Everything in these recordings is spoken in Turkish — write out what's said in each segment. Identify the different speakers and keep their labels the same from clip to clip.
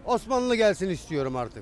Speaker 1: Osmanlı gelsin istiyorum artık.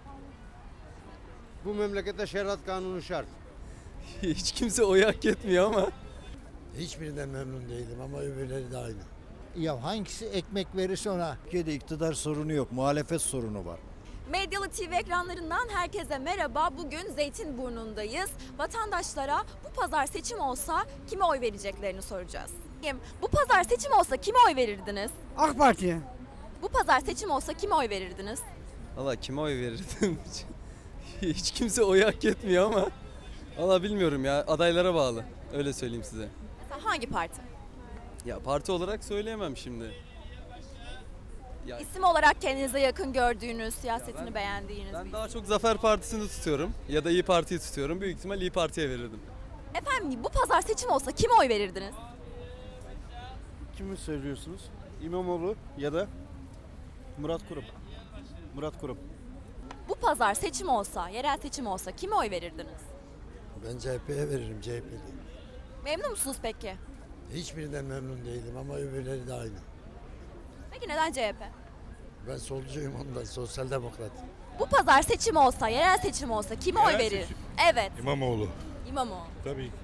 Speaker 1: Bu memlekette şeriat kanunu şart.
Speaker 2: Hiç kimse oy hak etmiyor ama.
Speaker 3: Hiçbirinden memnun değilim ama öbürleri de aynı.
Speaker 4: Ya hangisi ekmek verirse ona.
Speaker 5: Türkiye'de iktidar sorunu yok, muhalefet sorunu var.
Speaker 6: Medyalı TV ekranlarından herkese merhaba. Bugün Zeytinburnu'ndayız. Vatandaşlara bu pazar seçim olsa kime oy vereceklerini soracağız. Bu pazar seçim olsa kime oy verirdiniz?
Speaker 7: AK Parti'ye.
Speaker 6: Bu pazar seçim olsa kime oy verirdiniz?
Speaker 2: Valla kime oy verirdim? Hiç kimse oy hak etmiyor ama. Valla bilmiyorum ya, adaylara bağlı. Öyle söyleyeyim size.
Speaker 6: Mesela hangi parti?
Speaker 2: Ya parti olarak söyleyemem şimdi. Ya
Speaker 6: İsim olarak kendinize yakın gördüğünüz, siyasetini
Speaker 2: ben-
Speaker 6: beğendiğiniz
Speaker 2: ben
Speaker 6: bir
Speaker 2: daha çok Zafer Partisi'ni tutuyorum ya da İyi Parti'yi tutuyorum. Büyük ihtimal İyi Parti'ye verirdim.
Speaker 6: Efendim bu pazar seçim olsa kime oy verirdiniz?
Speaker 8: Kimi söylüyorsunuz? İmamoğlu ya da Murat Kurum. Murat Kurum.
Speaker 6: Bu pazar seçim olsa, yerel seçim olsa kime oy verirdiniz?
Speaker 3: Ben CHP'ye veririm, CHP'li.
Speaker 6: Memnun musunuz peki?
Speaker 3: Hiçbirinden memnun değilim ama öbürleri de aynı.
Speaker 6: Peki neden CHP?
Speaker 3: Ben solcuyum ondan, sosyal demokrat.
Speaker 6: Bu pazar seçim olsa, yerel seçim olsa kime oy verir? Evet.
Speaker 9: İmamoğlu.
Speaker 6: İmamoğlu.
Speaker 9: Tabii ki.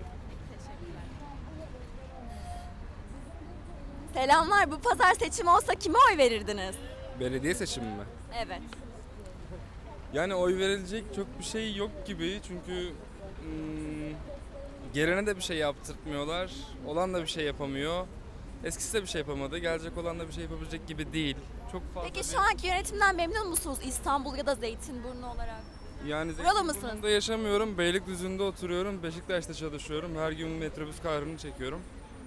Speaker 6: Selamlar. Bu pazar seçim olsa kime oy verirdiniz?
Speaker 10: Belediye seçimi mi?
Speaker 6: Evet.
Speaker 10: Yani oy verilecek çok bir şey yok gibi çünkü gelene de bir şey yaptırtmıyorlar. Olan da bir şey yapamıyor. Eskisi de bir şey yapamadı. Gelecek olan da bir şey yapabilecek gibi değil. Çok fazla
Speaker 6: Peki şu anki yönetimden memnun musunuz İstanbul ya da Zeytinburnu olarak?
Speaker 10: yani
Speaker 6: Buralı mısınız?
Speaker 10: Zeytinburnu'nda yaşamıyorum. Beylikdüzü'nde oturuyorum. Beşiktaş'ta çalışıyorum. Her gün metrobüs kahrını çekiyorum.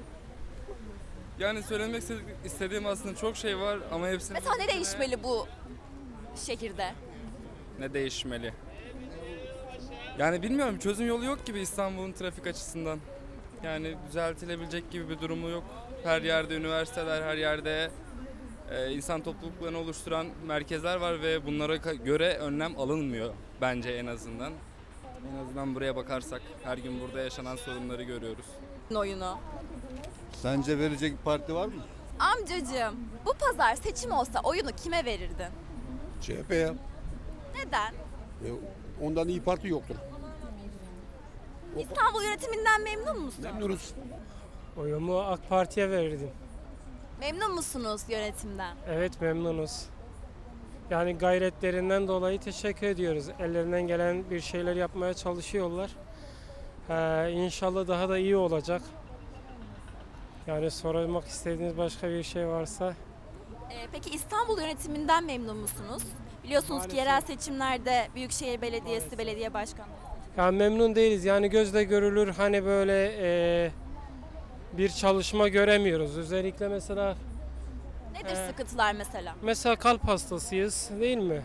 Speaker 10: Yani söylemek istediğim aslında çok şey var ama hepsini...
Speaker 6: Mesela ne değişmeli bu şehirde?
Speaker 10: Ne değişmeli? Yani bilmiyorum, çözüm yolu yok gibi İstanbul'un trafik açısından. Yani düzeltilebilecek gibi bir durumu yok. Her yerde üniversiteler, her yerde insan topluluklarını oluşturan merkezler var ve bunlara göre önlem alınmıyor bence en azından. En azından buraya bakarsak her gün burada yaşanan sorunları görüyoruz.
Speaker 6: Oyunu.
Speaker 9: Sence verecek bir parti var mı?
Speaker 6: Amcacığım, bu pazar seçim olsa oyunu kime verirdin?
Speaker 9: CHP'ye.
Speaker 6: Neden?
Speaker 9: Ondan iyi parti yoktur.
Speaker 6: İstanbul yönetiminden memnun musun?
Speaker 9: Memnunuz.
Speaker 7: Oyumu AK Parti'ye verirdim.
Speaker 6: Memnun musunuz yönetimden?
Speaker 7: Evet memnunuz. Yani gayretlerinden dolayı teşekkür ediyoruz. Ellerinden gelen bir şeyler yapmaya çalışıyorlar. İnşallah daha da iyi olacak. Yani sormak istediğiniz başka bir şey varsa.
Speaker 6: Peki İstanbul yönetiminden memnun musunuz? Biliyorsunuz ki
Speaker 7: Maalesef.
Speaker 6: yerel seçimlerde Büyükşehir Belediyesi, belediye başkanlığı.
Speaker 7: Yani memnun değiliz. Yani gözle görülür hani böyle bir çalışma göremiyoruz. Özellikle
Speaker 6: Nedir sıkıntılar mesela?
Speaker 7: mesela kalp hastasıyız değil mi?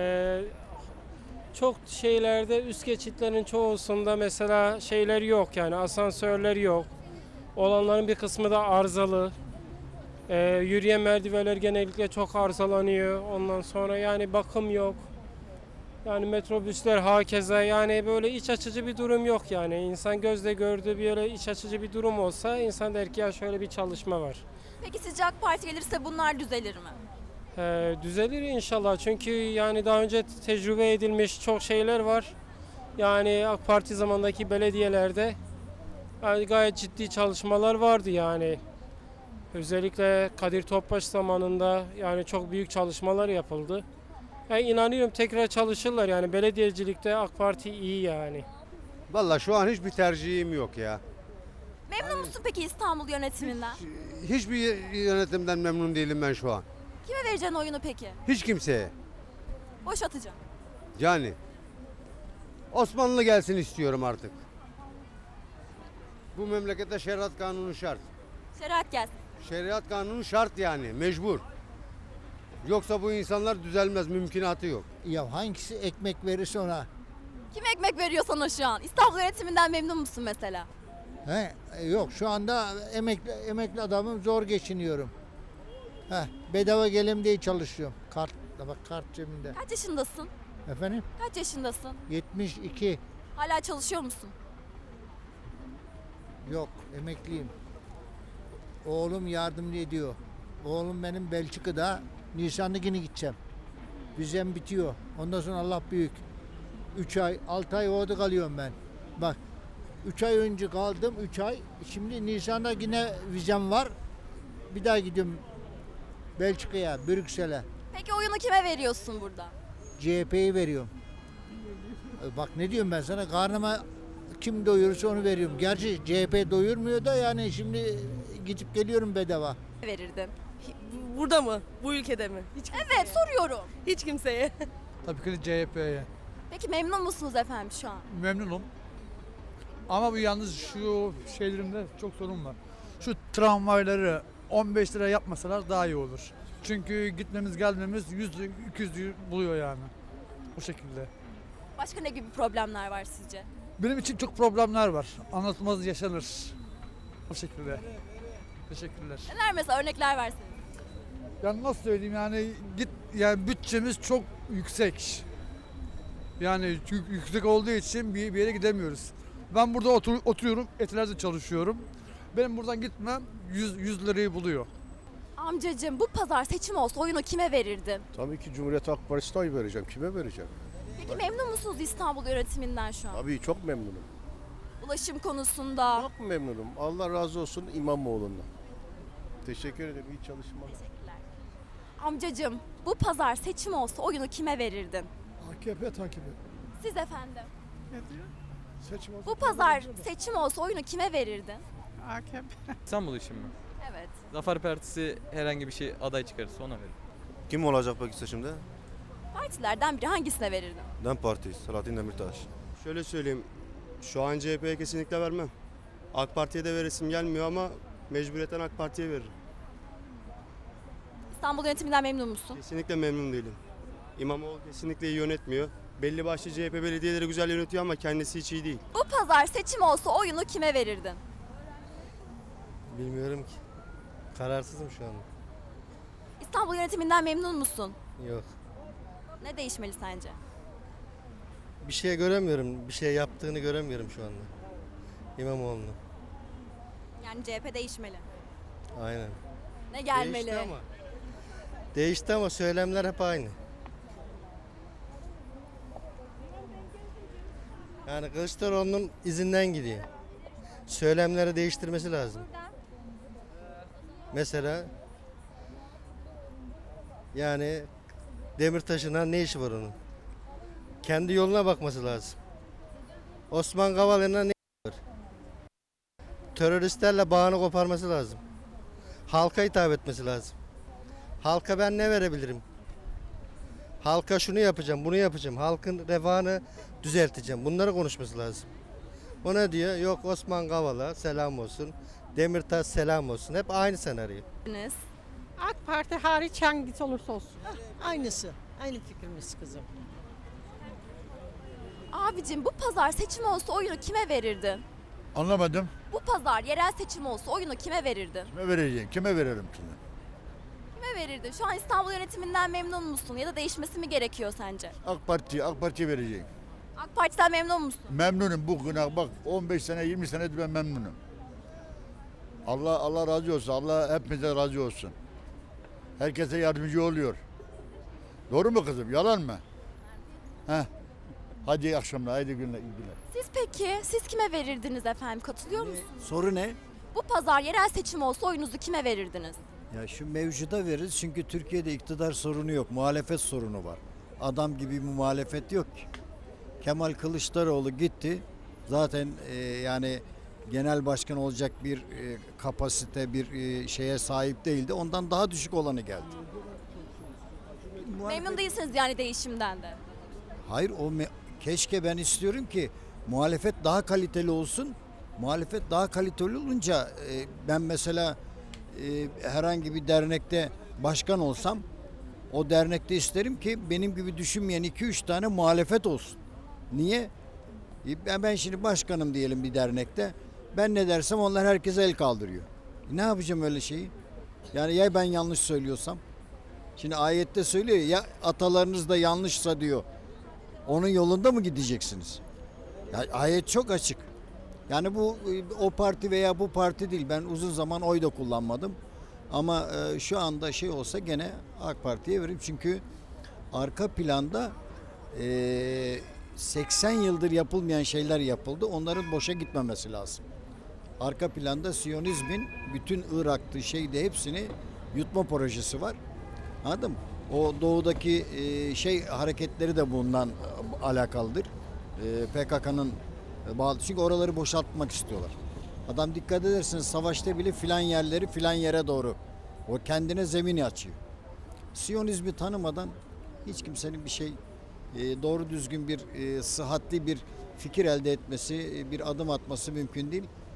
Speaker 7: Çok şeylerde üst geçitlerin çoğusunda mesela şeyler yok yani asansörler yok. Olanların bir kısmı da arızalı. Yürüyen merdivenler genellikle çok arızalanıyor. Ondan sonra yani bakım yok. Yani metrobüsler hakeza yani böyle iç açıcı bir durum yok yani. İnsan gözle gördüğü bir öyle iç açıcı bir durum olsa insan der ki ya şöyle bir çalışma var.
Speaker 6: Peki sizce AK Parti gelirse bunlar düzelir mi?
Speaker 7: Düzelir inşallah çünkü yani daha önce tecrübe edilmiş çok şeyler var. Yani AK Parti zamandaki belediyelerde yani gayet ciddi çalışmalar vardı yani. Özellikle Kadir Topbaş zamanında yani çok büyük çalışmalar yapıldı. Yani inanıyorum tekrar çalışırlar yani belediyecilikte AK Parti iyi yani.
Speaker 1: Vallahi şu an hiçbir tercihim yok ya.
Speaker 6: Memnun musun peki İstanbul yönetiminden?
Speaker 1: Hiçbir yönetimden memnun değilim ben şu an.
Speaker 6: Kime vereceksin oyunu peki?
Speaker 1: Hiç kimseye.
Speaker 6: Boş atacağım.
Speaker 1: Yani Osmanlı gelsin istiyorum artık. Bu memlekette şeriat kanunu şart.
Speaker 6: Şeriat gelsin.
Speaker 1: Şeriat kanunu şart yani mecbur. Yoksa bu insanlar düzelmez, mümkünatı yok.
Speaker 4: Ya hangisi ekmek verirse ona.
Speaker 6: Kim ekmek veriyor sana şu an? İstanbul yönetiminden memnun musun mesela?
Speaker 4: Yok şu anda emekli adamım zor geçiniyorum. Bedava gelim diye çalışıyorum. Kart cebimde.
Speaker 6: Kaç yaşındasın?
Speaker 4: Efendim?
Speaker 6: Kaç yaşındasın?
Speaker 4: 72.
Speaker 6: Hala çalışıyor musun?
Speaker 4: Yok emekliyim. Oğlum yardımcı ediyor. Oğlum benim Belçika'da Nisan'da yine gideceğim. Vizem bitiyor. Ondan sonra Allah büyük. 3 ay, 6 ay orada kalıyorum ben. Bak 3 ay önce kaldım, 3 ay. Şimdi Nisan'da yine vizem var. Bir daha gidiyorum Belçika'ya, Brüksel'e.
Speaker 6: Peki oyunu kime veriyorsun burada?
Speaker 4: CHP'yi veriyorum. Bak ne diyorum ben sana, karnıma kim doyurursa onu veriyorum. Gerçi CHP doyurmuyor da yani şimdi gidip geliyorum bedava.
Speaker 6: Verirdin.
Speaker 11: Burada mı? Bu ülkede mi?
Speaker 6: Evet soruyorum.
Speaker 11: Hiç kimseye.
Speaker 12: Tabii ki CHP'ye.
Speaker 6: Peki memnun musunuz efendim şu an?
Speaker 12: Memnunum. Ama bu yalnız şu şeylerinde çok sorun var. Şu tramvayları 15 lira yapmasalar daha iyi olur. Çünkü gitmemiz gelmemiz 100-200 buluyor yani. Bu şekilde.
Speaker 6: Başka ne gibi problemler var sizce?
Speaker 12: Benim için çok problemler var. Anlatılmaz yaşanır. Bu şekilde. Teşekkürler.
Speaker 6: Neler mesela örnekler verseniz.
Speaker 12: Yani nasıl söyleyeyim yani yani bütçemiz çok yüksek. Yani yüksek olduğu için bir yere gidemiyoruz. Ben burada oturuyorum, Etiler'de çalışıyorum. Benim buradan gitmem 100 lirayı buluyor.
Speaker 6: Amcacığım bu pazar seçim olsa oyunu kime verirdin?
Speaker 9: Tabii ki Cumhuriyet Halk Partisi'ne oy vereceğim. Kime vereceğim?
Speaker 6: Peki memnun musunuz İstanbul yönetiminden şu an?
Speaker 9: Tabii çok memnunum.
Speaker 6: Ulaşım konusunda.
Speaker 9: Çok memnunum. Allah razı olsun İmamoğlu'ndan. Teşekkür ederim. İyi çalışmalar.
Speaker 6: Teşekkürler. Amcacığım bu pazar seçim olsa oyunu kime verirdin?
Speaker 3: AKP takibi.
Speaker 6: Siz efendim.
Speaker 3: Seçim olsun.
Speaker 6: Bu pazar seçim olsa oyunu kime verirdin?
Speaker 3: AKP.
Speaker 2: İstanbul için mi?
Speaker 6: Evet.
Speaker 2: Zafer Partisi herhangi bir şey aday çıkarırsa ona verir.
Speaker 8: Kim olacak peki seçimde?
Speaker 6: Partilerden biri hangisine verirdin?
Speaker 8: DEM Parti, Selahattin Demirtaş.
Speaker 1: Şöyle söyleyeyim. Şu an CHP'ye kesinlikle vermem. AK Parti'ye de veresim gelmiyor ama mecburiyetten AK Parti'ye veririm.
Speaker 6: İstanbul yönetiminden memnun musun?
Speaker 1: Kesinlikle memnun değilim. İmamoğlu kesinlikle iyi yönetmiyor. Belli başlı CHP belediyeleri güzel yönetiyor ama kendisi hiç iyi değil.
Speaker 6: Bu pazar seçim olsa oyunu kime verirdin?
Speaker 1: Bilmiyorum ki. Kararsızım şu an.
Speaker 6: İstanbul yönetiminden memnun musun?
Speaker 1: Yok.
Speaker 6: Ne değişmeli sence?
Speaker 1: Bir şey göremiyorum. Bir şey yaptığını göremiyorum şu anda. İmamoğlu'nun.
Speaker 6: Yani CHP değişmeli.
Speaker 1: Aynen.
Speaker 6: Ne gelmeli?
Speaker 1: Değişti ama söylemler hep aynı. Yani Kılıçdaroğlu'nun izinden gidiyor. Söylemleri değiştirmesi lazım. Mesela yani Demirtaş'ın ne işi var onun? Kendi yoluna bakması lazım. Osman Kavala'yla ne var? Teröristlerle bağını koparması lazım. Halka hitap etmesi lazım. Halka ben ne verebilirim? Halka şunu yapacağım, bunu yapacağım. Halkın refahını düzelteceğim. Bunları konuşması lazım. O ne diyor? Yok Osman Kavala selam olsun. Demirtaş selam olsun. Hep aynı senaryo.
Speaker 11: AK Parti hariç hangisi olursa olsun. Aynısı. Aynı fikrimiz kızım.
Speaker 6: Abicim bu pazar seçim olsa oyunu kime verirdin?
Speaker 5: Anlamadım.
Speaker 6: Bu pazar yerel seçim olsa oyunu kime verirdin?
Speaker 5: Kime vereceğim? Kime verelim şimdi?
Speaker 6: Kime verirdin? Şu an İstanbul yönetiminden memnun musun? Ya da değişmesi mi gerekiyor sence?
Speaker 5: AK Parti'ye vereceğim.
Speaker 6: AK Parti'den memnun musun?
Speaker 5: Memnunum bugüne bak 15 sene 20 senedir ben memnunum. Allah razı olsun. Allah hepimize razı olsun. Herkese yardımcı oluyor. Doğru mu kızım? Yalan mı? Heh. Hadi iyi akşamlar, haydi günler, iyi günler.
Speaker 6: Siz kime verirdiniz efendim? Katılıyor musunuz?
Speaker 5: Soru ne?
Speaker 6: Bu pazar yerel seçim olsa oyunuzu kime verirdiniz?
Speaker 5: Ya şu mevcuda veririz çünkü Türkiye'de iktidar sorunu yok, muhalefet sorunu var. Adam gibi bir muhalefet yok ki. Kemal Kılıçdaroğlu gitti. Zaten yani genel başkan olacak bir kapasite, bir şeye sahip değildi. Ondan daha düşük olanı geldi.
Speaker 6: Memnun değilsiniz yani değişimden de.
Speaker 5: Hayır keşke ben istiyorum ki muhalefet daha kaliteli olsun. Muhalefet daha kaliteli olunca ben mesela herhangi bir dernekte başkan olsam o dernekte isterim ki benim gibi düşünmeyen 2-3 tane muhalefet olsun. Niye? Ben şimdi başkanım diyelim bir dernekte. Ben ne dersem onlar herkese el kaldırıyor. Ne yapacağım öyle şeyi? Yani ya ben yanlış söylüyorsam? Şimdi ayette söylüyor ya atalarınız da yanlışsa diyor. Onun yolunda mı gideceksiniz? Ya, ayet çok açık. Yani bu o parti veya bu parti değil. Ben uzun zaman oy da kullanmadım. Ama şu anda şey olsa gene AK Parti'ye veririm. Çünkü arka planda 80 yıldır yapılmayan şeyler yapıldı. Onların boşa gitmemesi lazım. Arka planda Siyonizmin bütün Irak'tı şeyde hepsini yutma projesi var. Anladın mı? O doğudaki hareketleri de bundan alakalıdır. PKK'nın bağlı. Çünkü oraları boşaltmak istiyorlar. Adam dikkat ederseniz savaşta bile filan yerleri filan yere doğru. O kendine zemini açıyor. Siyonizmi tanımadan hiç kimsenin bir şey doğru düzgün bir sıhhatli bir fikir elde etmesi, bir adım atması mümkün değil.